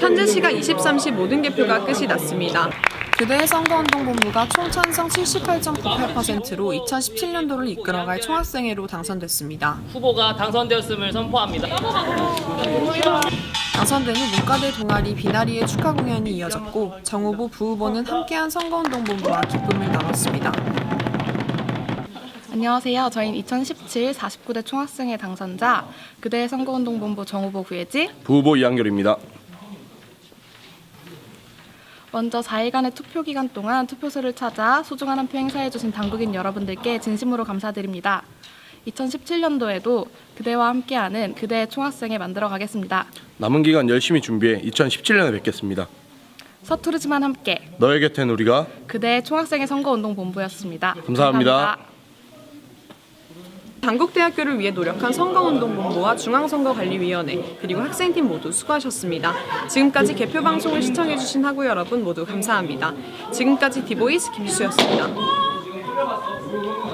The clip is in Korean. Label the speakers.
Speaker 1: 현재 시각 23시 모든 개표가 끝이 났습니다. 그대의 선거운동본부가 총찬성 78.98%로 2017년도를 이끌어갈 총학생회로 당선됐습니다.
Speaker 2: 후보가 당선되었음을 선포합니다.
Speaker 1: 당선된 후 문과대 동아리 비나리의 축하 공연이 이어졌고 정 후보, 부 후보는 함께한 선거운동본부와 기쁨을 나눴습니다.
Speaker 3: 안녕하세요. 저희는 2017 49대 총학생회 당선자 그대의 선거운동본부 정 후보 구혜지,
Speaker 4: 부 후보 이한결입니다.
Speaker 3: 먼저 4일간의 투표 기간 동안 투표소를 찾아 소중한 한 표 행사해주신 당국인 여러분들께 진심으로 감사드립니다. 2017년도에도 그대와 함께하는 그대의 총학생회 만들어가겠습니다.
Speaker 4: 남은 기간 열심히 준비해 2017년에 뵙겠습니다.
Speaker 3: 서투르지만 함께
Speaker 4: 너의 곁엔 우리가.
Speaker 3: 그대의 총학생회 선거운동본부였습니다.
Speaker 4: 감사합니다.
Speaker 1: 당국대학교를 위해 노력한 선거운동본부와 중앙선거관리위원회 그리고 학생팀 모두 수고하셨습니다. 지금까지 개표 방송을 시청해주신 학우 여러분 모두 감사합니다. 지금까지 디보이스 김수였습니다.